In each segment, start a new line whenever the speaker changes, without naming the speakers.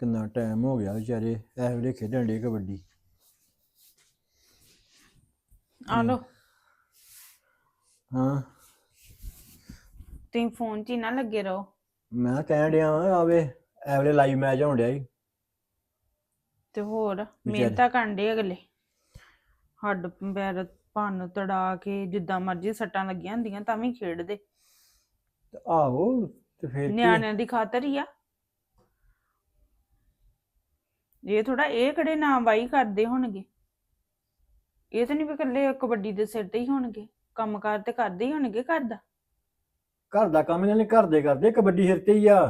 ਕਿੰਨਾ ਟਾਈਮ ਹੋ ਗਿਆ ਵਿਚਾਰੇ ਇਸ ਵੇਲੇ ਖੇਡਣ ਡੇ ਕਬੱਡੀ।
ਆ ਲੋ
ਹਾਂ
ਤੁਸੀਂ ਫੋਨ 'ਚ ਹੀ ਨਾ ਲੱਗੇ ਰਹੋ।
ਮੈਂ ਕਹਿਣ ਡਿਆ ਵਾਂ ਆਵੇ ਇਸ ਵੇਲੇ ਲਾਈਵ ਮੈਚ ਹੋਣ ਡਿਆ ਸੀ
ਤੇ ਹੋਰ
ਵਿਚਾਰੇ।
ਮਿਹਨਤਾਂ ਕਰਦੇ ਅਗਲੇ, ਹੱਡ ਪੈਰ ਭੰਨ ਤੜਾ ਕੇ ਜਿੱਦਾਂ ਮਰਜ਼ੀ ਸੱਟਾਂ ਲੱਗੀਆਂ ਹੁੰਦੀਆਂ ਤਾਂ ਵੀ ਖੇਡਦੇ।
ਤੇ ਆਹੋ ਤੇ ਫਿਰ ਕੀ ਆ?
ਨਿਆਣਿਆਂ ਦੀ ਖਾਤਰ ਹੀ ਆ ਇਹ ਥੋੜਾ, ਇਹ ਕਿਹੜੇ ਨਾ ਵਾਈ ਕਰਦੇ ਹੋਣਗੇ। ਇਹ ਤਾਂ ਨਹੀਂ ਵੀ ਇਕੱਲੇ ਕਬੱਡੀ ਦੇ ਸਿਰ ਤੇ ਹੀ ਹੋਣਗੇ, ਕੰਮ ਕਾਰ ਤੇ ਕਰਦੇ ਹੀ ਹੋਣਗੇ ਘਰ ਦਾ।
ਘਰ ਦਾ ਕੰਮ ਇਹਨਾਂ ਨੇ ਘਰ ਦੇ ਕਰਦੇ, ਕਬੱਡੀ ਸਿਰ ਤੇ ਹੀ ਆ।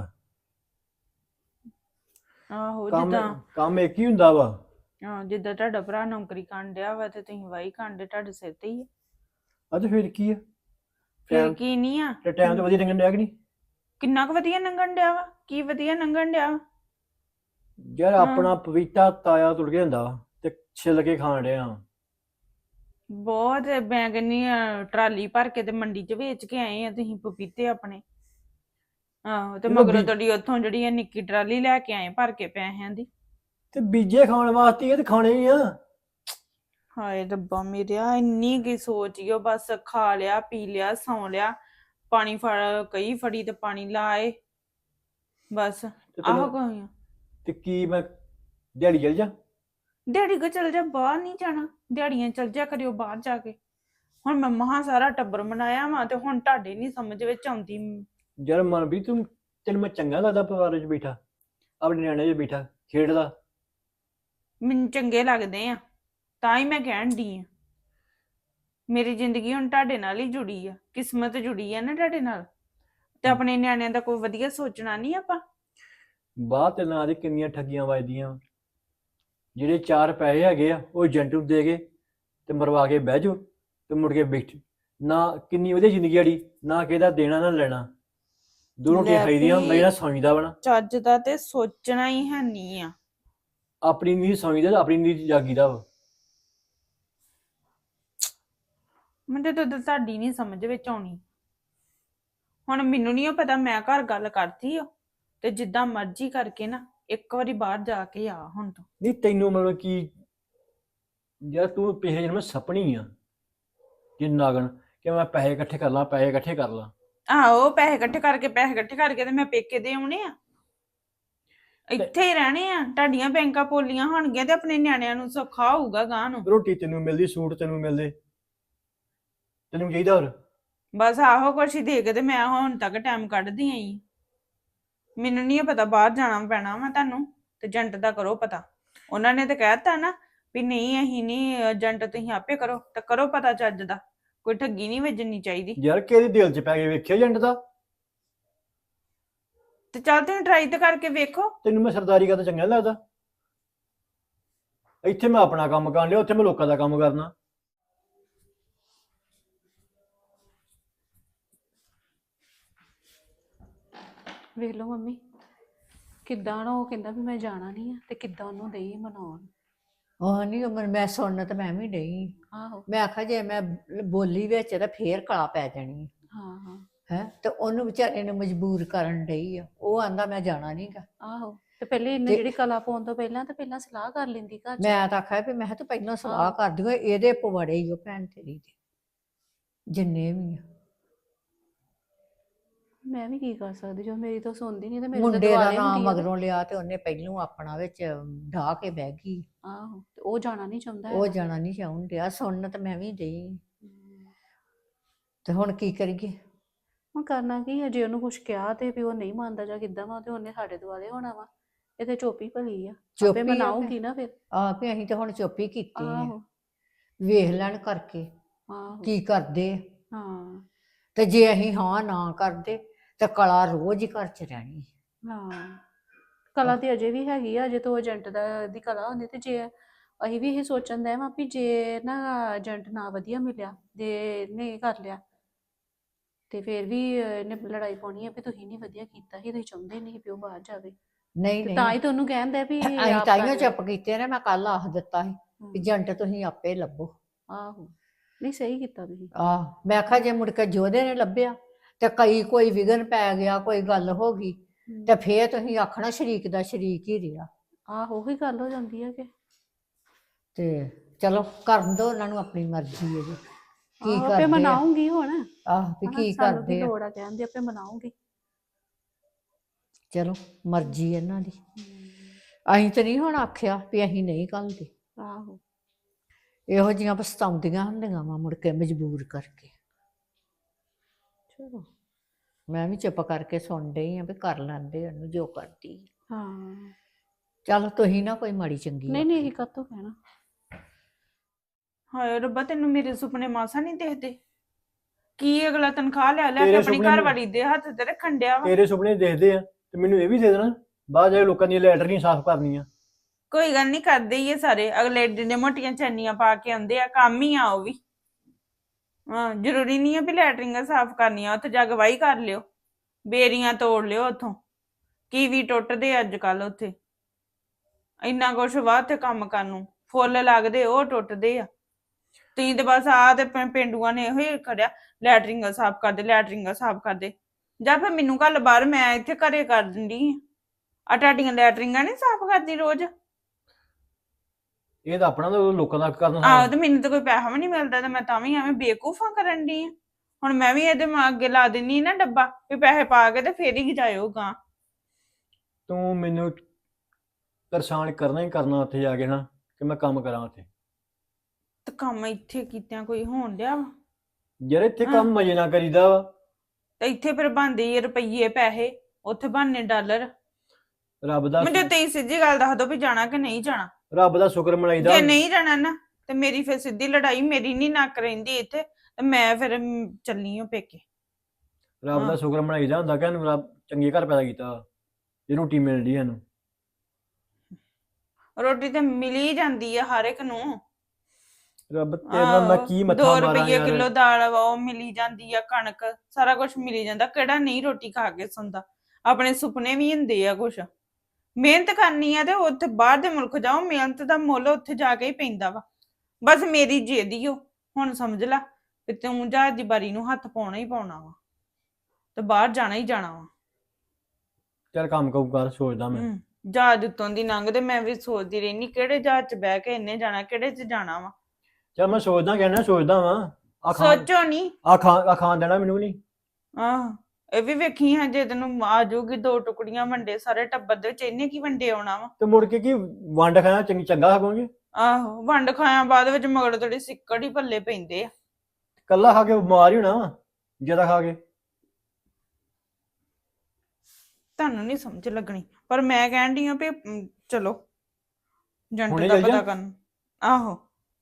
ਆਹੋ
ਕੰਮ
ਜਿੱਦਾਂ
ਕੰਮ ਇੱਕ ਹੀ ਹੁੰਦਾ ਵਾ।
ਜਿੱਦਾਂ ਤੁਹਾਡਾ ਭਰਾ ਨੌਕਰੀ ਕਰਨ ਡਿਆ ਵਾ ਤੇ ਤੁਸੀਂ ਵਾਈ ਕਰਦੇ, ਤੁਹਾਡੇ ਸਿਰ ਤੇ ਹੀ ਆ।
ਅੱਜ ਫਿਰ ਕੀ ਆ?
ਫਿਰ ਕੀ ਨਹੀਂ ਆ,
ਤੇ ਟਾਈਮ ਤਾਂ ਵਧੀਆ ਲੰਘਣ ਡਿਆ ਕਿ ਨਹੀਂ?
ਕਿੰਨਾ ਕੁ ਵਧੀਆ ਲੰਘਣ ਡਿਆ ਵਾ, ਕੀ ਵਧੀਆ ਲੰਘਣ ਡਿਆ ਵਾ।
ਯਾਰ ਆਪਣਾ ਪਪੀਤਾ ਤਾਇਆ ਤੁਰ ਗਿਆ ਹੁੰਦਾ ਵਾ ਤੇ ਛਿੱਲ ਕੇ ਖਾਣ ਡਿਆ।
ਬਹੁਤ ਮੈਂ ਕਹਿੰਦੀ ਆ, ਟਰਾਲੀ ਭਰ ਕੇ ਤੇ ਮੰਡੀ 'ਚ ਵੇਚ ਕੇ ਆਏ ਆ ਤੁਸੀਂ ਪਪੀਤੇ ਆਪਣੇ। ਆਹੋ ਤੇ ਮਗਰੋਂ ਤੁਹਾਡੀ ਉੱਥੋਂ ਜਿਹੜੀ ਆ ਨਿੱਕੀ ਟਰਾਲੀ ਲੈ ਕੇ ਆਏ ਭਰ ਕੇ ਪੈਸਿਆਂ ਦੀ।
ਤੇ ਬੀਜੇ ਖਾਣ ਵਾਸਤੇ ਇਹ ਤੇ ਖਾਣੇ ਹੀ ਆ।
ਹਾਏ ਰੱਬਾ ਮੇਰਿਆ, ਇੰਨੀ ਕੀ ਸੋਚੀਓ, ਬਸ ਖਾ ਲਿਆ ਪੀ ਲਿਆ ਸੌਂ ਲਿਆ, ਪਾਣੀ ਕਈ ਫੜੀ ਤੇ ਪਾਣੀ ਲਾਏ ਬਸ। ਆਹੋ ਕੋਈ
ਤੇ ਕੀ ਮੈਂ ਦਿਹਾੜੀ ਚਲ ਜਾ?
ਦਿਹਾੜੀ ਕੋ ਚਲ ਜਾ, ਬਾਹਰ ਨਹੀਂ ਜਾਣਾ, ਦਿਹਾੜੀਆਂ ਚਲ ਜਾ ਕਰਿਓ ਬਾਹਰ ਜਾ ਕੇ। ਹੁਣ ਮੈਂ ਮਹਾਂ ਸਾਰਾ ਟੱਬਰ ਮਨਾਇਆ ਵਾ ਤੇ ਹੁਣ ਤੁਹਾਡੇ ਨਹੀਂ ਸਮਝ ਵਿੱਚ ਆਉਂਦੀ।
ਯਾਰ ਮਨ ਵੀ ਤੈਨੂੰ ਮੈਂ ਚੰਗਾ ਲੱਗਦਾ ਪਰਿਵਾਰ 'ਚ ਬੈਠਾ, ਆਪਣੇ ਨਿਆਣੇ 'ਚ ਬੈਠਾ ਖੇਡਦਾ?
ਮੈਨੂੰ ਚੰਗੇ ਲੱਗਦੇ ਆ ਤਾਂ ਹੀ ਮੈਂ ਕਹਿਣ ਡਈ ਆ। ਮੇਰੀ ਜ਼ਿੰਦਗੀ ਹੁਣ ਤੁਹਾਡੇ ਨਾਲ ਹੀ ਜੁੜੀ ਆ, ਕਿਸਮਤ ਜੁੜੀ ਆ ਨਾ ਤੁਹਾਡੇ ਨਾਲ, ਤੇ ਆਪਣੇ ਨਿਆਣਿਆਂ ਦਾ ਕੋਈ ਵਧੀਆ ਸੋਚਣਾ ਨਹੀਂ ਆਪਾਂ।
ਬਾਹਰ ਤੇ ਨਾਂ ਦੀ ਕਿੰਨੀਆਂ ਠੱਗੀਆਂ ਵੱਜਦੀਆਂ। ਜਿਹੜੇ 4 ਪੈਸੇ ਹੈਗੇ ਆ ਉਹ ਏਜੰਟ ਨੂੰ ਦੇ ਕੇ ਤੇ ਮਰਵਾ ਕੇ ਬਹਿ ਜਾਓ ਤੇ ਮੁੜ ਕੇ ਬੈਠ ਨਾ। ਕਿੰਨੀ ਵਧੀਆ ਜ਼ਿੰਦਗੀ ਆੜੀ, ਨਾ ਕਿਹਦਾ ਦੇਣਾ ਨਾ ਲੈਣਾ, ਦੋ ਰੋਟੀਆਂ ਖਾਈਦੀਆਂ, ਮੈਂ ਸੌਂਦਾ ਬਣਾ।
ਚੱਜ ਦਾ ਤੇ ਸੋਚਣਾ ਹੀ ਹੈ ਨਹੀਂ ਆ।
ਆਪਣੀ ਨੀਂਦ ਸੌਂਦਾ, ਆਪਣੀ ਨੀਂਦ ਜਾਗੀਦਾ ਵਾ।
ਮੈਨੂੰ ਤਾਂ ਤੁਹਾਡੀ ਨਹੀਂ ਸਮਝ ਵਿੱਚ ਆਉਣੀ। ਹੁਣ ਮੈਨੂੰ ਨਹੀਂ ਪਤਾ, ਮੈਂ ਘਰ ਗੱਲ ਕਰਤੀ ਆ ਤੇ ਜਿੱਦਾਂ ਮਰਜ਼ੀ ਕਰਕੇ ਨਾ ਇੱਕ ਵਾਰੀ ਬਾਹਰ ਜਾ ਕੇ ਆ ਹੁਣ ਤੋਂ।
ਨਹੀਂ ਤੈਨੂੰ ਮਤਲਬ ਕੀ ਯਾਰ, ਤੂੰ ਪਿਛਲੇ ਜਨਮ ਸਪਣੀ ਆ ਕਿ ਨਾਗਣ ਕਿ ਮੈਂ ਪੈਸੇ ਇਕੱਠੇ ਕਰ ਲਾਂ, ਪੈਸੇ ਇਕੱਠੇ ਕਰ ਲਾਂ।
ਆਹੋ ਪੈਸੇ ਇਕੱਠੇ ਕਰਕੇ ਤੇ ਮੈਂ ਪੇਕੇ ਦੇ ਆਉਣੇ ਆ, ਇੱਥੇ ਹੀ ਰਹਿਣੇ ਆ। ਤੁਹਾਡੀਆਂ ਬੈਂਕਾਂ ਪੋਲੀਆਂ ਹੋਣਗੀਆਂ ਤੇ ਆਪਣੇ ਨਿਆਣਿਆਂ ਨੂੰ ਸੌਖਾ ਹੋਊਗਾ ਗਾਂ ਨੂੰ।
ਰੋਟੀ ਤੈਨੂੰ ਮਿਲਦੀ, ਸੂਟ ਤੈਨੂੰ ਮਿਲਦੇ, ਤੈਨੂੰ ਚਾਹੀਦਾ ਹੋਰ?
ਬਸ ਆਹੋ ਕੁਛ ਹੀ ਦੇ ਕੇ ਤੇ ਮੈਂ ਹੁਣ ਤੱਕ ਟਾਈਮ ਕੱਢਦੀ ਆਈ। ਮੈਨੂੰ ਨਹੀਂ ਪਤਾ ਬਾਹਰ ਜਾਣਾ ਪੈਣਾ ਵਾ ਤੁਹਾਨੂੰ, ਤੇ ਏਜੰਟ ਦਾ ਕਰੋ ਪਤਾ। ਉਹਨਾਂ ਨੇ ਤੇ ਕਹਿਤਾ ਨਾ ਵੀ ਨਹੀਂ ਅਸੀਂ ਨਹੀਂ, ਏਜੰਟ ਤੁਸੀਂ ਆਪੇ ਕਰੋ, ਤੇ ਕਰੋ ਪਤਾ ਚੱਜ ਦਾ, ਕੋਈ ਠੱਗੀ ਨਹੀਂ ਵੱਜਣੀ ਚਾਹੀਦੀ।
ਯਾਰ ਕਿਹਦੇ ਦਿਲ 'ਚ ਪੈ ਕੇ ਵੇਖਿਆ ਏਜੰਟ ਦਾ?
ਤੇ ਚੱਲ ਤੁਸੀਂ ਟਰਾਈ ਤੇ ਕਰਕੇ ਵੇਖੋ।
ਤੈਨੂੰ ਮੈਂ ਸਰਦਾਰੀ ਕਰਦਾ ਚੰਗਾ ਲੱਗਦਾ? ਇੱਥੇ ਮੈਂ ਆਪਣਾ ਕੰਮ ਕਰਨ ਲਿਆ, ਉੱਥੇ ਮੈਂ ਲੋਕਾਂ ਦਾ ਕੰਮ ਕਰਨਾ।
ਵੇਖ ਲਓ ਮੰਮੀ ਕਿੱਦਾਂ ਨਾ ਉਹ ਕਹਿੰਦਾ ਵੀ ਮੈਂ ਜਾਣਾ ਨਹੀਂ ਆ, ਤੇ ਕਿੱਦਾਂ ਉਹਨੂੰ ਦੇਈ ਮਨਾਉਣ।
ਉਹ ਨਹੀਂ ਉਮਰ ਮੈਂ ਸੁਣਨ ਤੇ ਮੈਂ ਵੀ ਡਈ।
ਆਹੋ
ਮੈਂ ਆਖਿਆ ਜੇ ਮੈਂ ਬੋਲੀ ਵਿੱਚ ਤਾਂ ਫੇਰ ਕਲਾ ਪੈ ਜਾਣੀ
ਹਾਂ ਹਾਂ
ਹੈ। ਤੇ ਉਹਨੂੰ ਵਿਚਾਰੇ ਨੂੰ ਮਜਬੂਰ ਕਰਨ ਡਈ ਆ। ਉਹ ਆਂਦਾ ਮੈਂ ਜਾਣਾ ਨਹੀਂਗਾ।
ਆਹੋ ਤੇ ਪਹਿਲੇ ਇਹਨੇ ਜਿਹੜੀ ਕਲਾ ਪਾਉਣ ਤੋਂ ਪਹਿਲਾਂ ਤੇ ਪਹਿਲਾਂ ਸਲਾਹ ਕਰ ਲੈਂਦੀ ਘਰ ਚ।
ਮੈਂ ਤਾਂ ਆਖਿਆ ਵੀ ਮੈਂ ਤੂੰ ਪਹਿਲਾਂ ਸਲਾਹ ਕਰ ਦਿਓ, ਇਹਦੇ ਪਵਾੜੇ ਹੀ ਉਹ ਭੈਣ ਤੇਰੀ ਦੇ ਜਿੰਨੇ ਵੀ ਆ।
ਮੈਂ ਵੀ ਕੀ ਕਰ ਸਕਦੀ, ਜੋ ਮੇਰੀ ਤਾਂ ਸੁਣਦੀ ਨਹੀਂ ਤੇ ਮੇਰੇ
ਮੁੰਡੇ ਦਾ ਨਾਮ ਮਗਰੋਂ ਲਿਆ ਤੇ ਉਹਨੇ ਪਹਿਲੋਂ ਆਪਣਾ ਵਿੱਚ ਢਾਹ ਕੇ ਬਹਿ ਗਈ।
ਆਹੋ ਤੇ ਉਹ ਜਾਣਾ ਨਹੀਂ ਚਾਹੁੰਦਾ
ਉਹ ਜਾਣਾ ਨਹੀਂ ਚਾਹੁੰਦਾ ਡਿਆ। ਸੁਣਨ ਤੇ ਮੈਂ ਵੀ ਡਈ ਤੇ ਹੁਣ ਕੀ ਕਰੀਏ?
ਹੁਣ ਕਰਨਾ ਕੀ ਹੈ, ਜੇ ਉਹਨੂੰ ਕੁਝ ਕਿਹਾ ਤੇ ਵੀ ਉਹ ਨਹੀਂ ਮੰਨਦਾ ਜਾਂ ਕਿੱਦਾਂ ਵਾ, ਤੇ ਉਹਨੇ ਸਾਡੇ ਦੁਆਲੇ ਹੋਣਾ ਵਾ। ਇਹ ਤੇ ਚੁੱਪ ਹੀ ਭਲੀ ਆ, ਆਪੇ ਮਨਾਉਗੀ ਨਾ ਫਿਰ।
ਆਹ ਵੀ ਅਸੀਂ ਤਾਂ ਹੁਣ ਚੁੱਪ ਹੀ ਕੀਤੀ ਆ,
ਆਹੋ
ਵੇਖ ਲੈਣ ਕਰਕੇ
ਆਹੋ
ਕੀ ਕਰਦੇ।
ਹਾਂ
ਤੇ ਜੇ ਅਸੀਂ ਹਾਂ ਨਾ ਕਰਦੇ ਤੇ ਕਲਾ ਰੋਜ਼ ਹੀ ਘਰ 'ਚ ਰਹਿਣੀ।
ਹਾਂ ਕਲਾ ਤੇ ਅਜੇ ਵੀ ਹੈਗੀ ਆ, ਅਜੇ ਤੋਂ ਏਜੰਟ ਦੀ ਕਲਾ ਹੁੰਦੀ। ਤੇ ਜੇ ਅਸੀਂ ਵੀ ਇਹ ਸੋਚਣ ਦਾ ਵਾ ਵੀ ਜੇ ਨਾ ਏਜੰਟ ਨਾ ਵਧੀਆ ਮਿਲਿਆ, ਜੇ ਨੇ ਕਰ ਲਿਆ ਤੇ ਫਿਰ ਵੀ ਇਹਨੇ ਲੜਾਈ ਪਾਉਣੀ ਆ ਵੀ ਤੁਸੀਂ ਨਹੀਂ ਵਧੀਆ ਕੀਤਾ ਸੀ, ਤੁਸੀਂ ਚਾਹੁੰਦੇ ਨਹੀਂ ਵੀ ਉਹ ਬਾਹਰ ਜਾਵੇ।
ਨਹੀਂ
ਤੇ ਤਾਂ ਹੀ ਤੁਹਾਨੂੰ ਕਹਿੰਦਾ ਵੀ
ਅਸੀਂ
ਆਪ
ਤਾਈਓ
ਕਰ
ਚੁੱਪ ਕੀਤੇ ਨੇ। ਮੈਂ ਕੱਲ ਆਖ ਦਿੱਤਾ ਸੀ ਵੀ ਏਜੰਟ ਤੁਸੀਂ ਆਪੇ ਲੱਭੋ।
ਆਹੋ ਨਹੀਂ ਸਹੀ ਕੀਤਾ ਤੁਸੀਂ।
ਮੈਂ ਆਖਿਆ ਜੇ ਮੁੜ ਕੇ ਜੋਧੇ ਨੇ ਲੱਭਿਆ ਤੇ ਕੋਈ ਵਿਘਨ ਪੈ ਗਿਆ, ਕੋਈ ਗੱਲ ਹੋ ਗਈ ਤੇ ਫੇਰ ਤੁਸੀਂ ਆਖਣਾ ਸ਼ਰੀਕ ਦਾ ਸ਼ਰੀਕ ਹੀ ਰਿਹਾ।
ਆਹੋ ਉਹੀ ਗੱਲ ਹੋ ਜਾਂਦੀ ਹੈ ਕਿ
ਤੇ ਚਲੋ ਕਰਨ ਦੋ ਉਹਨਾਂ ਨੂੰ ਆਪਣੀ ਮਰਜ਼ੀ ਹੈ ਜੀ, ਕੀ
ਆਪੇ
ਕਰਦੇ ਆ।
ਮਨਾਉਂਗੀ ਹੁਣ।
ਆਹ ਵੀ
ਹਨਾ,
ਕੀ
ਸਾਨੂੰ ਕੀ
ਕਰਦੇ ਆ।
ਲੋੜ ਆ ਕਹਿਣ ਦੀ, ਆਪੇ ਮਨਾਉਂਗੀ।
ਚਲੋ ਮਰਜ਼ੀ ਇਹਨਾਂ ਦੀ, ਅਸੀਂ ਤੇ ਨਹੀਂ ਹੁਣ ਆਖਿਆ ਵੀ ਅਸੀਂ ਨਹੀਂ ਘੱਲਦੇ।
ਆਹੋ
ਇਹੋ ਜਿਹੀਆਂ ਪਛਤਾਉਂਦੀਆਂ ਹੁੰਦੀਆਂ ਵਾ ਮੁੜ ਕੇ ਮਜਬੂਰ ਕਰਕੇ।
ਚਲੋ
ਮੈਂ ਵੀ ਚੁੱਪ ਕਰਕੇ ਸੁਣ ਡਈ ਆ ਵੀ ਕਰ ਲੈਂਦੇ ਉਹਨੂੰ ਜੋ ਕਰਦੀ ਆ।
ਹਾਂ
ਚੱਲ ਤੁਸੀਂ ਨਾ ਕੋਈ ਮਾੜੀ ਚੰਗੀ
ਨਹੀਂ ਨਹੀਂ, ਇਹ ਕਾਹਤੋਂ ਕਹਿਣਾ।
ਹਾਏ ਰੱਬਾ, ਤੈਨੂੰ ਮੇਰੇ ਸੁਪਨੇ ਮਾਸਾ ਨਹੀਂ ਦੇਖਦੇ? ਕੀ ਅਗਲਾ ਤਨਖਾਹ ਲੈ ਲੈ ਕੇ
ਤੇਰੇ
ਆਪਣੀ
ਸੁਪਨੇ
ਘਰ ਵਾਲੀ ਦੇ ਹੱਥ ਤੇ ਰੱਖਣ ਡਿਆ ਵਾ।
ਤੇਰੇ ਸੁਪਨੇ ਦੇਖਦੇ ਆ ਤੇ ਮੈਨੂੰ ਇਹ ਵੀ ਦੇ ਦੇਣਾ, ਬਾਅਦ ਜਾ ਕੇ ਲੋਕਾਂ ਦੀਆਂ ਲੈਟਰੀਆਂ ਸਾਫ਼ ਕਰਨੀਆਂ।
ਕੋਈ ਗੱਲ ਨਹੀਂ, ਕਰਦੇ ਹੀ ਇਹ ਸਾਰੇ। ਅਗਲੇ ਏਡੇ ਮੋਟੀਆਂ ਚੈਨੀਆਂ ਪਾ ਕੇ ਆਉਂਦੇ ਆ, ਕੰਮ ਹੀ ਆ ਉਹ ਵੀ। ਹਾਂ, ਜ਼ਰੂਰੀ ਨਹੀਂ ਹੈ ਵੀ ਲੈਟਰਿੰਗਾਂ ਸਾਫ਼ ਕਰਨੀਆਂ, ਉੱਥੇ ਜਾ ਕੇ ਵਾਹੀ ਕਰ ਲਿਓ, ਬੇਰੀਆਂ ਤੋੜ ਲਿਓ ਉੱਥੋਂ। ਕੀਵੀ ਟੁੱਟਦੇ ਅੱਜ ਕੱਲ ਉੱਥੇ, ਇੰਨਾ ਕੁਛ ਵਾ ਉੱਥੇ ਕੰਮ ਕਰਨ ਨੂੰ। ਫੁੱਲ ਲੱਗਦੇ ਉਹ ਟੁੱਟਦੇ ਆ। ਤੁਸੀਂ ਤੇ ਬਸ ਆ ਤੇ ਪੇਂਡੂਆਂ ਨੇ ਇਹੋ ਹੀ ਖੜਿਆ, ਲੈਟਰਿੰਗਾਂ ਸਾਫ਼ ਕਰਦੇ, ਲੈਟਰਿੰਗਾਂ ਸਾਫ਼ ਕਰਦੇ। ਜਾਂ ਫਿਰ ਮੈਨੂੰ ਕੱਲ ਬਾਹਰ, ਮੈਂ ਇੱਥੇ ਘਰੇ ਕਰ ਦਿੰਦੀ ਆ ਤੁਹਾਡੀਆਂ ਲੈਟਰਿੰਗਾਂ ਨਹੀਂ ਸਾਫ਼ ਕਰਦੀ ਰੋਜ਼।
ਇਹ ਤਾਂ ਆਪਣਾ ਤਾਂ ਲੋਕਾਂ ਦਾ ਕਰਨਾ।
ਆਹੋ, ਤੇ ਮੈਨੂੰ ਤਾਂ ਕੋਈ ਪੈਸਾ ਵੀ ਨਹੀਂ ਮਿਲਦਾ, ਤੇ ਮੈਂ ਤਾਂ ਵੀ ਐਵੇਂ ਬੇਵਕੂਫਾਂ ਕਰਨ ਦੀ ਆ। ਹੁਣ ਮੈਂ ਵੀ ਇਹਦੇ ਅੱਗੇ ਲਾ ਦਿੰਨੀ ਨਾ ਡੱਬਾ, ਵੀ ਪੈਸੇ ਪਾ ਕੇ ਤੇ ਫੇਰ ਹੀ ਜਾਇਓ ਗਾਂ।
ਤੂੰ ਮੈਨੂੰ ਪਰੇਸ਼ਾਨ ਕਰਨਾ ਹੀ ਕਰਨਾ ਉੱਥੇ ਜਾ ਕੇ ਨਾ, ਕਿ ਮੈਂ ਕੰਮ ਕਰਾਂ ਉੱਥੇ।
ਤੇ ਕੰਮ ਇੱਥੇ ਕੀਤਿਆਂ ਕੋਈ ਹੋਣ ਡਿਆ ਵਾ?
ਯਾਰ ਇੱਥੇ ਕੰਮ ਮਜੇ ਨਾਲ ਕਰੀਦਾ ਵਾ।
ਤੇ ਇੱਥੇ ਫਿਰ ਬਣਦੇ ਰੁਪਈਏ ਪੈਸੇ, ਉੱਥੇ ਬਣਨੇ ਡਾਲਰ।
ਰੱਬ ਦਾ
ਮੈਨੂੰ ਤੇ ਸਿੱਧੀ ਗੱਲ ਦੱਸ ਦੋ ਵੀ ਜਾਣਾ ਕਿ ਨਹੀਂ ਜਾਣਾ।
ਰੱਬ ਦਾ ਸ਼ੁਕਰ ਮਨਾਈਦਾ।
ਜੇ ਨਹੀਂ ਜਾਣਾ ਨਾ, ਤੇ ਮੇਰੀ ਫਿਰ ਸਿੱਧੀ ਲੜਾਈ, ਮੇਰੀ ਨਹੀਂ ਨੱਕ ਰਹਿੰਦੀ ਇੱਥੇ, ਤੇ ਮੈਂ ਫਿਰ ਚੱਲੀ ਓ ਪੇਕੇ।
ਰੱਬ ਦਾ ਸ਼ੁਕਰ ਮਨਾਈਦਾ ਹੁੰਦਾ ਕਿ ਇਹਨੂੰ ਰੱਬ ਚੰਗੇ ਘਰ ਪੈਦਾ ਕੀਤਾ, ਇਹ ਰੋਟੀ ਮਿਲਦੀ ਇਹਨੂੰ।
ਰੋਟੀ ਤੇ ਮਿਲੀ ਜਾਂਦੀ ਆ ਹਰ ਇੱਕ ਨੂੰ।
ਰੱਬ ਤੇਰੇ ਨਾਲ ਮੈਂ ਕੀ ਮੱਥਾ
2
ਮਾਰਾਂ
ਰੁਪਈਏ
ਯਾਰ।
ਕਿਲੋ ਦਾਲ ਵਾ ਉਹ ਮਿਲੀ ਜਾਂਦੀ ਆ, ਕਣਕ ਸਾਰਾ ਕੁਝ ਮਿਲੀ ਜਾਂਦਾ। ਕਿਹੜਾ ਨਹੀਂ ਰੋਟੀ ਖਾ ਕੇ ਸੌਂਦਾ? ਆਪਣੇ ਸੁਪਨੇ ਵੀ ਹੁੰਦੇ ਆ ਕੁਛ। ਮਿਹਨਤ ਕਰਨੀ ਆ ਤੇ ਉੱਥੇ ਬਾਹਰ ਦੇ ਮੁਲਕ ਜਾਓ, ਮਿਹਨਤ ਦਾ ਮੁੱਲ ਉੱਥੇ ਜਾ ਕੇ ਹੀ ਪੈਂਦਾ ਵਾ। ਬਸ ਮੇਰੀ ਜਿੱਦ ਈ ਓ, ਹੁਣ ਸਮਝ ਲੈ ਵੀ ਤੂੰ ਜਹਾਜ਼ ਦੀ ਬਾਰੀ ਨੂੰ ਹੱਥ ਪਾਉਣਾ ਹੀ ਪਾਉਣਾ ਵਾ, ਤੇ ਬਾਹਰ ਜਾਣਾ ਹੀ ਜਾਣਾ ਵਾ।
ਚੱਲ ਕੰਮ ਕਊ ਕਰ, ਸੋਚਦਾ ਮੈਂ।
ਜਹਾਜ਼ ਉੱਤੋਂ ਦੀ ਲੰਘਦੇ ਮੈਂ ਵੀ ਸੋਚਦੀ ਰਹਿਨੀ, ਕਿਹੜੇ ਜਹਾਜ਼ 'ਚ ਬਹਿ ਕੇ ਇੰਨੇ ਜਾਣਾ, ਕਿਹੜੇ 'ਚ ਜਾਣਾ ਵਾ।
ਚੱਲ ਮੈਂ ਸੋਚਦਾ, ਕਹਿਣਾ ਸੋਚਦਾ ਵਾਂ।
ਸੋਚੋ ਨਹੀਂ।
ਆ ਖਾਣ ਦੇਣਾ ਮੈਨੂੰ ਨਹੀਂ।
ਆਹ, ਇਹ ਵੀ ਵੇਖੀ ਹੈ, ਜੇ ਤੈਨੂੰ ਆ ਜਾਊਗੀ 2 ਟੁਕੜੀਆਂ ਵੰਡੇ ਸਾਰੇ ਟੱਬਰ ਦੇ ਵਿੱਚ, ਇਹਨੇ ਕੀ ਵੰਡੇ ਆਉਣਾ ਵਾ।
ਤੇ ਮੁੜ ਕੇ ਕੀ ਵੰਡ ਖਾਣਾ ਚੰਗਾ ਖਾਵਾਂਗੇ?
ਆਹੋ, ਵੰਡ ਖਾਇਆ ਬਾਅਦ ਵਿੱਚ ਮਗਰ ਥੋੜੀ ਸਿੱਕੜ ਹੀ ਪੱਲੇ ਪੈਂਦੇ ਆ।
ਕੱਲਾ ਖਾ ਕੇ ਬਿਮਾਰ ਹੀ ਹੋਣਾ ਵਾ, ਜ਼ਿਆਦਾ ਖਾ ਕੇ।
ਤੁਹਾਨੂੰ ਨਹੀਂ ਸਮਝ ਲੱਗਣੀ, ਪਰ ਮੈਂ ਕਹਿਣ ਡਈ ਆ ਵੀ ਚਲੋ ਜੰਟ
ਹੁਣੇ
ਦਾ
ਚੱਲ ਜਾ।
ਪਤਾ ਕਰਨ। ਆਹੋ।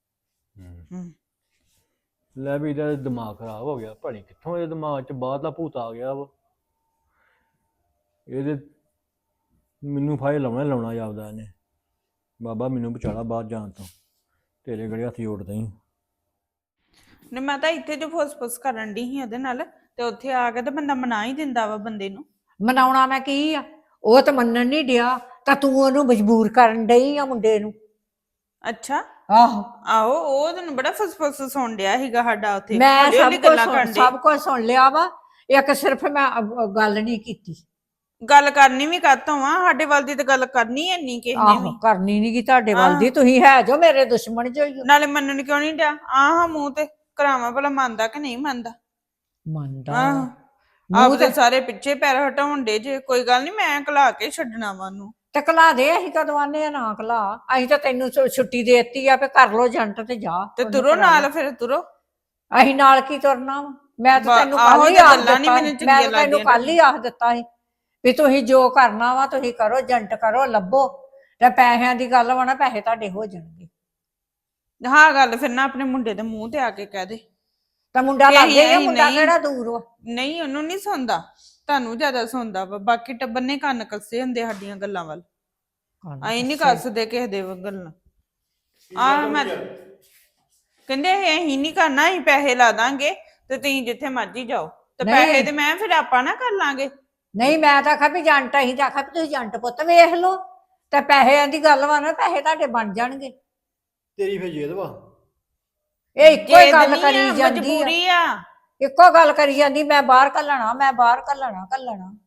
ਲੈ ਵੀ ਇਹਦਾ ਦਿਮਾਗ ਖਰਾਬ ਹੋ ਗਿਆ, ਭਣੀ ਕਿੱਥੋਂ ਇਹਦੇ ਦਿਮਾਗ 'ਚ ਬਾਹਰ ਦਾ ਭੂਤ ਆ ਗਿਆ ਵਾ। ਇਹਦੇ ਮੈਨੂੰ ਫਾਇਲ ਲਾਉਣਾ ਜਾਪਦਾ ਇਹਨੇ। ਬਾਬਾ ਮੈਨੂੰ ਬਚਾਲਾ ਬਾਹਰ ਜਾਣ ਤੋਂ, ਤੇਰੇ ਗੜੇ ਹੱਥ ਜੋੜਦਾ ਹੀ।
ਨੇ ਮੈਂ ਤਾਂ ਇੱਥੇ ਜੋ ਫੁੱਸ ਕਰਨ ਡਈ ਸੀ ਉਹਦੇ ਨਾਲ, ਤੇ ਉੱਥੇ ਆ ਕੇ ਤਾਂ ਬੰਦਾ ਮਨਾ ਹੀ ਦਿੰਦਾ ਵਾ ਬੰਦੇ ਨੂੰ।
ਮਨਾਉਣਾ ਮੈਂ ਕੀ ਆ, ਉਹ ਤਾਂ ਮੰਨਣ ਨਹੀਂ ਡਿਆ, ਤਾਂ ਤੂੰ ਉਹਨੂੰ ਮਜਬੂਰ ਕਰਨ ਡਈ ਆ ਮੁੰਡੇ ਨੂੰ।
ਅੱਛਾ।
ਆਹੋ,
ਆਹੋ, ਉਹ ਤੈਨੂੰ ਬੜਾ ਫੁੱਸ ਸੁਣ ਡਿਆ ਸੀਗਾ ਸਾਡਾ ਉੱਥੇ।
ਮੈਂ
ਹੌਲੀ ਹੌਲੀ
ਸਭ ਕੁਝ ਸੁਣ ਲਿਆ ਵਾ। ਇੱਕ ਸਿਰਫ ਮੈਂ ਗੱਲ ਨਹੀਂ ਕੀਤੀ।
ਗੱਲ ਕਰਨੀ ਵੀ ਕਾਤੋਂ ਆ, ਸਾਡੇ ਵੱਲ ਦੀ ਤਾਂ ਗੱਲ ਕਰਨੀ ਐ ਨਹੀਂ ਕਿਸੇ ਨੇ ਵੀ।
ਆਹੋ, ਕਰਨੀ ਨੀ ਗੀ ਤੁਹਾਡੇ ਵੱਲ ਦੀ, ਤੁਸੀਂ ਹੈ ਜੋ ਮੇਰੇ ਦੁਸ਼ਮਣ ਜੋ ਹੀ ਹੋ।
ਨਾਲੇ ਮੰਨਣ ਕਿਉਂ ਨਹੀਂ ਡਿਆ? ਆਹ ਮੂੰਹ ਤੇ ਕਰਾਵਾਂ ਭਲਾ ਮੰਨਦਾ ਕਿ ਨਹੀਂ ਮੰਨਦਾ।
ਮੰਨਦਾ
ਆਹ,
ਮੂੰਹ
ਆਪਦੇ
ਤੇ
ਸਾਰੇ ਪਿੱਛੇ ਪੈਰ ਹਟਾਉਣ ਦੇ ਜੇ। ਕੋਈ ਗੱਲ ਨਹੀਂ, ਮੈਂ ਘਲਾ ਕੇ ਛੱਡਣਾ ਵਾ ਉਹਨੂੰ।
ਤੇ ਘਲਾ ਦੇ, ਅਸੀਂ ਕਦੋਂ ਆਨੇ ਆ ਨਾ ਘਲਾ। ਅਸੀਂ ਤਾਂ ਤੈਨੂੰ ਛੁੱਟੀ ਦੇ ਦਿੱਤੀ ਆ ਵੀ ਕਰ ਲੋ ਜੰਟ ਤੇ ਜਾ।
ਤੇ
ਉਹਨੂੰ
ਤੁਰੋ
ਕਰਾ
ਨਾਲ,
ਲਓ।
ਫਿਰ ਤੁਰੋ।
ਅਸੀਂ ਨਾਲ ਕੀ ਤੁਰਨਾ ਵਾ? ਮੈਂ ਤਾਂ ਤੈਨੂੰ
ਆਹੋ,
ਕੱਲ ਹੀ
ਤੇ
ਆਖ
ਗੱਲਾਂ ਨੀ
ਦਿੱਤਾ
ਮੈਨੂੰ
ਮੈਂ
ਚੰਗੀਆਂ
ਤਾਂ ਤੈਨੂੰ
ਲੱਗਦੀਆਂ
ਕੱਲ ਹੀ ਆਖ ਦਿੱਤਾ ਸੀ ਵੀ ਤੁਸੀਂ ਜੋ ਕਰਨਾ ਵਾ ਤੁਸੀਂ ਕਰੋ, ਜੰਟ ਕਰੋ, ਲੱਭੋ। ਤੇ ਪੈਸਿਆਂ ਦੀ ਗੱਲ ਵਾ ਨਾ, ਪੈਸੇ ਤੁਹਾਡੇ ਹੋ ਜਾਣਗੇ।
ਹਾਂ, ਗੱਲ ਫਿਰ ਨਾ ਆਪਣੇ ਮੁੰਡੇ ਦੇ ਮੂੰਹ ਤੇ ਆ ਕੇ ਕਹਿ ਦੇ।
ਤਾਂ ਮੁੰਡਾ
ਕਿ
ਲੱਗ ਗਿਆ,
ਅਸੀਂ
ਮੁੰਡਾ
ਨਹੀਂ-
ਕਿਹੜਾ ਦੂਰ ਵਾ।
ਨਹੀਂ, ਉਹਨੂੰ ਨਹੀਂ ਸੁਣਦਾ, ਤੁਹਾਨੂੰ ਜ਼ਿਆਦਾ ਸੁਣਦਾ ਵਾ। ਬਾਕੀ ਟੱਬਰ ਨੇ ਕੰਨ ਕੱਸੇ ਹੁੰਦੇ ਸਾਡੀਆਂ ਗੱਲਾਂ ਵੱਲ। ਅਸੀਂ ਨਹੀਂ ਕੱਸਦੇ ਕਿਸੇ ਦੇ ਗੱਲਾਂ। ਆਹ ਮੈਂ ਕਹਿੰਦੇ ਅਸੀਂ ਨਹੀਂ ਕਰਨਾ, ਅਸੀਂ ਪੈਸੇ ਲਾ ਦਾਂਗੇ ਤੇ ਤੁਸੀਂ ਜਿੱਥੇ ਮਰਜ਼ੀ ਜਾਓ। ਤੇ
ਨਹੀਂ।
ਪੈਸੇ ਤੇ ਮੈਂ ਫਿਰ ਆਪਾਂ ਨਾ ਕਰ ਲਾਂਗੇ।
ਨਹੀਂ, ਮੈਂ ਤਾਂ ਆਖਿਆ ਵੀ ਜੰਟ, ਅਸੀਂ ਤਾਂ ਆਖਿਆ ਵੀ ਤੁਸੀਂ ਜੰਟ ਪੁੱਤ ਵੇਖ ਲਓ। ਤੇ ਪੈਸਿਆਂ ਦੀ ਗੱਲ ਵਾ ਨਾ, ਪੈਸੇ ਤੁਹਾਡੇ ਬਣ ਜਾਣਗੇ।
ਤੇਰੀ ਫੇਰ ਜੇਦ ਵਾ।
ਇਹ ਇੱਕੋ ਹੀ ਗੱਲ
ਜਿੱਦ ਨੀ
ਕਰੀ
ਆ,
ਜਾਂਦੀ ਆ,
ਮਜਬੂਰੀ ਆ।
ਇੱਕੋ ਗੱਲ ਕਰੀ ਜਾਂਦੀ, ਮੈਂ ਬਾਹਰ ਘੱਲਣਾ, ਮੈਂ ਬਾਹਰ ਘੱਲਣਾ।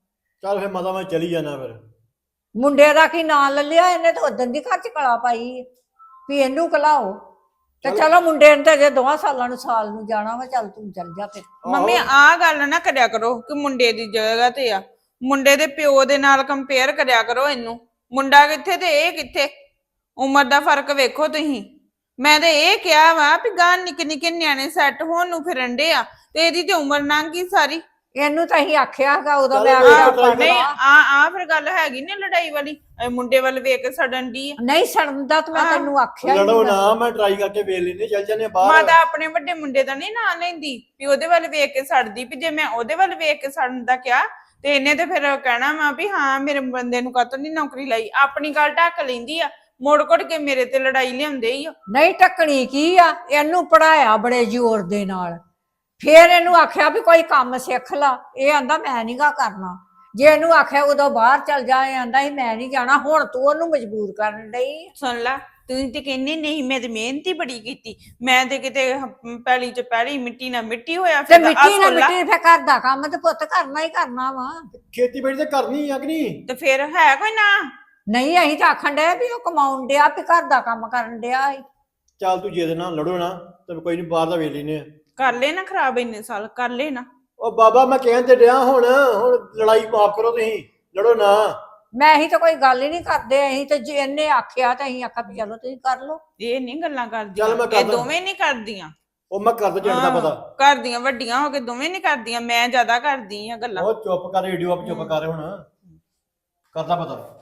ਚੱਲ ਫਿਰ ਮਾਤਾ ਮੈਂ ਚਲੀ ਜਾਣਾ ਫਿਰ।
ਮੁੰਡੇ ਦਾ ਕੀ ਨਾਂ ਲੈ ਲਿਆ ਇਹਨੇ ਤਾਂ ਉਦੋਂ ਦੀ ਘਰ ਚ ਕਲਾ ਪਾਈ ਹੈ ਵੀ ਇਹਨੂੰ ਕਲਾਓ ਤੇ
ਚੱਲ।
ਚਲੋ ਮੁੰਡੇ ਨੇ ਤਾਂ ਜੇ 2 ਸਾਲਾਂ ਨੂੰ ਸਾਲ ਨੂੰ ਜਾਣਾ ਵਾ, ਚੱਲ ਤੂੰ ਚੱਲ ਜਾ ਫਿਰ।
ਮੰਮੀ ਆਹ ਗੱਲ ਨਾ ਕਰਿਆ ਕਰੋ ਕਿ ਮੁੰਡੇ ਦੀ ਜਗ੍ਹਾ ਤੇ ਆ। ਮੁੰਡੇ ਦੇ ਪਿਓ ਦੇ ਨਾਲ ਕੰਪੇਅਰ ਕਰਿਆ ਕਰੋ ਇਹਨੂੰ। ਮੁੰਡਾ ਕਿੱਥੇ ਤੇ ਇਹ ਕਿੱਥੇ, ਉਮਰ ਦਾ ਫਰਕ ਵੇਖੋ ਤੁਸੀਂ। ਮੈਂ ਤੇ ਇਹ ਕਿਹਾ ਵਾ ਵੀ ਗਾਂ ਨਿੱਕੇ ਨਿੱਕੇ ਨਿਆਣੇ ਸੈੱਟ ਹੋਣ ਨੂੰ ਫਿਰਨ ਡੇ ਆ ਤੇ ਇਹਦੀ ਤੇ ਉਮਰ ਲੰਘ ਗਈ ਸਾਰੀ।
ਇਹਨੂੰ ਤਾਂ ਅਸੀਂ ਆਖਿਆ ਹੈਗਾ ਉਦੋਂ
ਚੱਲ
ਮੈਂ
ਕੋਈ
ਆਖਿਆ
ਗੱਲ
ਨਹੀਂ ਆ ਫਿਰ ਗੱਲ ਹੈਗੀ ਨਾ ਲੜਾਈ ਵਾਲੀ। ਇਹ ਮੁੰਡੇ ਵੱਲ ਵੇਖ ਕੇ ਸੜਨ ਦੀ ਆ।
ਨਹੀਂ ਸੜਦਾ ਤਾਂ ਮੈਂ
ਹਾਂ।
ਤੈਨੂੰ ਆਖਿਆ ਹੀ
ਲੜੋ
ਨੀ ਗਾ।
ਨਾ, ਮੈਂ ਟਰਾਈ ਕਰਕੇ ਵੇਖ ਲੈਨੇ, ਚੱਲ ਜਾਂਦੇ ਬਾਹਰ।
ਮਾਤਾ ਆਪਣੇ ਵੱਡੇ ਮੁੰਡੇ ਦਾ ਨਹੀਂ ਨਾਂ ਲੈਂਦੀ ਵੀ ਉਹਦੇ ਵੱਲ ਵੇਖ ਕੇ ਸੜਦੀ, ਵੀ ਜੇ ਮੈਂ ਉਹਦੇ ਵੱਲ ਵੇਖ ਕੇ ਸੜਨ ਦਾ ਕਿਹਾ ਤੇ ਇਹਨੇ ਤੇ ਫਿਰ ਕਹਿਣਾ ਵਾ ਵੀ ਹਾਂ ਮੇਰੇ ਬੰਦੇ ਨੂੰ ਕਾਹਤੋਂ ਨਹੀਂ ਨੌਕਰੀ ਲਈ। ਆਪਣੀ ਗੱਲ ਢੱਕ ਲੈਂਦੀ ਆ, ਮੁੜ ਕੁੜ ਕੇ ਮੇਰੇ ਤੇ ਲੜਾਈ ਲਿਆਉਂਦੇ ਹੀ ਆ।
ਨਹੀਂ ਟੱਕਣੀ ਕੀ ਆ, ਇਹਨੂੰ ਪੜਾਇਆ ਬੜੇ ਜ਼ੋਰ ਦੇ ਨਾਲ, ਫੇਰ ਇਹਨੂੰ ਆਖਿਆ ਵੀ ਕੋਈ ਕੰਮ ਸਿੱਖ ਲਾ, ਇਹ ਆਂਦਾ ਮੈਂ ਨੀ ਗਾ ਕਰਨਾ। ਜੇ ਇਹਨੂੰ ਆਖਿਆ ਉਦੋਂ ਬਾਹਰ ਚੱਲ ਜਾ, ਇਹ ਆਂਦਾ ਸੀ ਮੈਂ ਨਹੀਂ ਜਾਣਾ। ਹੁਣ ਤੂੰ ਉਹਨੂੰ ਮਜਬੂਰ ਕਰਨ ਡਈ।
ਸੁਣ ਲਾ, ਤੂੰ ਤੇ ਕਹਿੰਦੀ ਨਹੀਂ ਮੈਂ ਤੇ ਮਿਹਨਤ ਹੀ ਬੜੀ ਕੀਤੀ, ਮੈਂ ਤੇ ਕਿਤੇ ਪੈਲੀ ਚ ਪੈਲੀ ਮਿੱਟੀ ਨਾਲ ਮਿੱਟੀ ਹੋਇਆ
ਤੇ
ਫਿਰਦਾ। ਆਹ
ਮਿੱਟੀ ਨਾ
ਸੁਣ ਲਾ,
ਮਿੱਟੀ ਫੇਰ ਘਰ ਦਾ ਕੰਮ ਤੇ ਪੁੱਤ ਕਰਨਾ ਹੀ ਕਰਨਾ ਵਾ।
ਖੇਤੀਬਾੜੀ ਤੇ ਕਰਨੀ ਆ ਕਿ ਨਹੀਂ?
ਤੇ ਫਿਰ ਹੈ ਕੋਈ ਨਾ।
ਨਹੀਂ ਅਸੀਂ ਤਾਂ ਆਖਣ ਡਿਆ ਵੀ ਉਹ ਕਮਾਉਣ ਡਿਆ ਵੀ ਘਰ ਦਾ ਕੰਮ ਕਰਨ ਡਿਆ ਏ।
ਚੱਲ ਤੂੰ ਜੇ ਨਾਲ ਲੜੋ ਨਾ ਤੇ ਕੋਈ ਨਹੀਂ, ਬਾਹਰ ਦਾ ਵੇਖ ਲੈਨੇ ਆ।
ਕਰ ਲੈ ਨਾ ਖਰਾਬ ਇੰਨੇ ਸਾਲ, ਕਰ ਲੈ ਨਾ।
ਉਹ ਬਾਬਾ ਮੈਂ ਕਹਿਣ ਤੇ ਡਿਆ, ਹੁਣ ਲੜਾਈ ਮਾਫ ਕਰੋ, ਤੁਸੀਂ ਲੜੋ ਨਾ।
ਮੈਂ ਅਸੀਂ ਤਾਂ ਕੋਈ ਗੱਲ ਹੀ ਨਹੀਂ ਕਰਦੇ। ਅਸੀਂ ਤਾਂ ਜੇ ਇਹਨੇ ਆਖਿਆ ਤਾਂ ਅਸੀਂ ਆਖਿਆ ਵੀ ਚਲੋ ਤੁਸੀਂ ਕਰ ਲਓ।
ਇਹ ਨਹੀਂ ਗੱਲਾਂ
ਚੱਲ
ਕਰਦੀਆਂ,
ਮੈਂ
ਇਹ
ਕਰਦਾ।
ਦੋਵੇਂ ਨਹੀਂ ਕਰਦੀਆਂ।
ਉਹ ਮੈਂ ਕਰਦਾ ਜੱਟ ਦਾ ਪਤਾ।
ਕਰਦੀਆਂ ਵੱਡੀਆਂ ਹੋ ਕੇ ਦੋਵੇਂ ਨਹੀਂ ਕਰਦੀਆਂ, ਮੈਂ ਜ਼ਿਆਦਾ ਕਰਦੀ ਆ ਗੱਲਾਂ।
ਉਹ ਚੁੱਪ ਕਰ, ਰੇਡੀਓ ਆਪ ਚੁੱਪ ਕਰ ਹੁਣ, ਕਰਦਾ ਪਤਾ।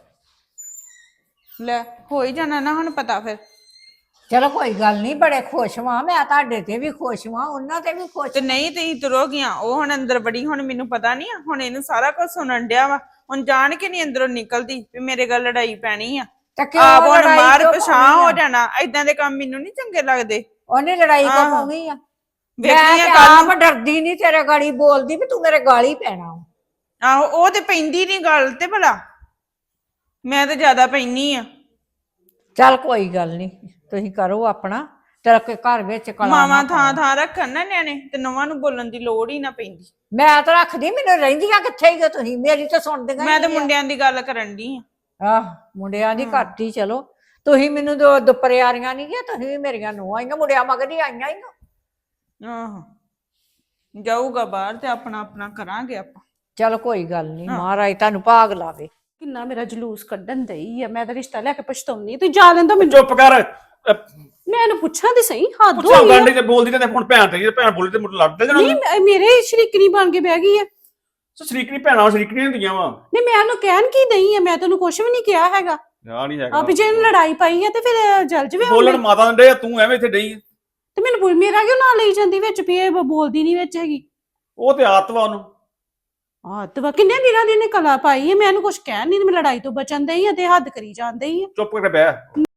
ਲੈ ਹੋ ਹੀ ਜਾਣਾ ਨਾ ਹੁਣ ਪਤਾ ਫਿਰ।
ਚਲੋ ਕੋਈ ਗੱਲ ਨਹੀਂ, ਬੜੇ ਖੁਸ਼ ਵਾਂ ਮੈਂ, ਤੁਹਾਡੇ ਤੇ ਵੀ ਖੁਸ਼ ਵਾਂ, ਉਹਨਾਂ ਤੇ ਵੀ ਖੁਸ਼।
ਤੇ ਨਹੀਂ ਤੁਸੀਂ ਤੁਰੋ ਗਿਆ, ਉਹ ਹੁਣ ਅੰਦਰ ਬੜੀ, ਹੁਣ ਮੈਨੂੰ ਪਤਾ ਨਹੀਂ ਆ, ਹੁਣ ਇਹਨੂੰ ਸਾਰਾ ਕੁਝ ਸੁਣਨ ਡਿਆ ਵਾ। ਹੁਣ ਜਾਣ ਕੇ ਨਹੀਂ ਅੰਦਰੋਂ ਨਿਕਲਦੀ ਵੀ ਮੇਰੇ ਗੱਲ ਲੜਾਈ ਪੈਣੀ ਆ।
ਤੇ ਕਿਉਂ
ਆਪ ਹੁਣ
ਲੜਾਈ
ਮਾਰ
ਕਿਉਂ
ਪਛਾਂ
ਪਾਉਣੀ
ਹੋ
ਆ?
ਜਾਣਾ। ਏਦਾਂ ਦੇ ਕੰਮ ਮੈਨੂੰ ਨਹੀਂ ਚੰਗੇ ਲੱਗਦੇ।
ਉਹਨੇ ਲੜਾਈ ਕਿਉਂ
ਆਹੋ।
ਪਾਉਣੀ ਆ? ਮੈਂ
ਵੇਖਣੀ ਆ
ਤੇ
ਕੱਲ
ਆਪ ਡਰਦੀ ਨਹੀਂ ਤੇਰੇ ਗਾੜੀ ਬੋਲਦੀ ਵੀ ਤੂੰ ਮੇਰੇ ਗਾਲੀ ਪੈਣਾ।
ਆਹੋ, ਉਹ ਤੇ ਪੈਂਦੀ ਨਹੀਂ ਗੱਲ ਤੇ ਭਲਾ, ਮੈਂ ਤੇ ਜ਼ਿਆਦਾ ਪੈਣੀ ਆ।
ਚੱਲ ਕੋਈ ਗੱਲ ਨਹੀਂ, ਤੁਸੀਂ ਕਰੋ ਆਪਣਾ, ਤੇਰਾ ਕੋਈ ਘਰ ਵਿੱਚ ਕਲਾ ਨਾ
ਮਾਵਾਂ
ਪਾਓ।
ਥਾਂ ਥਾਂ ਰੱਖਣ ਨਾ ਨਿਆਣੇ, ਤੇ ਨਵਾਂ ਨੂੰ ਬੋਲਣ ਦੀ ਲੋੜ ਹੀ ਨਾ ਪੈਂਦੀ।
ਮੈਂ ਤਾਂ ਰੱਖਦੀ, ਮੈਨੂੰ ਰਹਿੰਦੀਆਂ ਕਿੱਥੇ ਹੀ ਹੋ ਤੁਸੀਂ, ਮੇਰੀ ਤਾਂ ਸੁਣਦੀਆਂ
ਮੈਂ ਤੇ
ਹੀ ਨਹੀਂ ਆ।
ਮੁੰਡਿਆਂ ਦੀ ਗੱਲ ਕਰਨ ਦੀ ਆ।
ਆਹ ਮੁੰਡਿਆਂ ਦੀ ਘੱਟ ਹੀ, ਚਲੋ ਤੁਸੀਂ ਮੈਨੂੰ ਦੁਪਰਿਆਰੀਆਂ ਨਹੀਂ ਗਿਆ, ਤੁਸੀਂ ਵੀ ਮੇਰੀਆਂ ਨੂੰ ਆਈਆਂ, ਮੁੰਡਿਆਂ ਮਗਰ ਹੀ ਆਈਆਂ ਹੀ।
ਆਹੋ, ਜਾਊਗਾ ਬਾਹਰ ਤੇ ਆਪਣਾ ਆਪਣਾ ਕਰਾਂਗੇ ਆਪਾਂ।
ਚਲ ਕੋਈ ਗੱਲ ਨਹੀਂ,
ਹਾਂ।
ਮਹਾਰਾਜ ਤੁਹਾਨੂੰ ਭਾਗ ਲਾਵੇ।
ਕਿੰਨਾ ਮੇਰਾ ਜਲੂਸ ਕੱਢਣ ਦਈ ਆ। ਮੈਂ ਤਾਂ ਰਿਸ਼ਤਾ ਲੈ ਕੇ ਪਛਤਾਉਣੀ, ਤੂੰ ਜਾ ਲੈਂਦਾ ਮੈਨੂੰ।
ਚੁੱਪ ਕਰ।
ਮੈਂ ਇਹਨੂੰ ਪੁੱਛਾਂ ਤੇ ਸਹੀ, ਹੱਦ
ਪੁੱਛਾਂ
ਹੋਈ ਆ।
ਗਾਂਡੀ ਤੇ ਬੋਲਦੀ ਤੇ ਹੁਣ ਭੈਣ ਤੇ ਭੈਣ ਬੋਲੀ ਤੇ ਮੁੱਢ ਲੜਦੇ ਜਣਾ।
ਨਹੀਂ ਮੇਰੇ ਸ਼ਰੀਕਣੀ ਬਣ ਕੇ ਬਹਿ ਗਈ ਆ।
ਸ਼ਰੀਕਣੀ ਭੈਣਾਂ ਸ਼ਰੀਕਣੀ ਹੁੰਦੀਆਂ ਵਾ।
ਨਹੀਂ ਮੈਂ ਉਹਨੂੰ ਕਹਿਣ ਕੀ ਦਈ ਆ, ਮੈਂ ਤੈਨੂੰ ਕੁਝ ਵੀ ਨਹੀਂ ਕਿਹਾ ਹੈਗਾ।
ਯਾਰ ਨਹੀਂ
ਆ
ਹੈਗਾ
ਵੀ ਜੇ ਇਹਨੂੰ ਲੜਾਈ ਪਾਈ ਆ ਤੇ ਫਿਰ ਜਲ ਜਵੇ।
ਬੋਲਣ ਮਾਤਾ ਦੇ ਤੂੰ ਐਵੇਂ ਇੱਥੇ ਡਈ।
ਤੇ ਮੈਨੂੰ ਮੇਰਾ ਕਿਉਂ ਨਾਂ ਲਈ ਜਾਂਦੀ ਵਿੱਚ ਵੀ ਇਹ ਬੋਲਦੀ ਨਹੀਂ ਵਿੱਚ ਹੈਗੀ।
ਉਹ ਤੇ ਆਦਤ ਵਾ ਉਹਨੂੰ।
ਆ ਤੇ ਵਾ ਕਿੰਨੇ ਦਿਨਾਂ ਦੀ ਇਹਨੇ ਕਲਾ ਪਾਈ ਹੈ। ਮੈਂ ਇਹਨੂੰ ਕੁਝ ਕਹਿਣ ਨਹੀਂ, ਮੈਂ ਲੜਾਈ ਤੋਂ ਬਚਣ ਦਈ ਆ ਤੇ ਹੱਦ ਕਰੀ ਜਾਂਦੀ ਆ।
ਚੁੱਪ ਕਰਕੇ ਬਹਿ।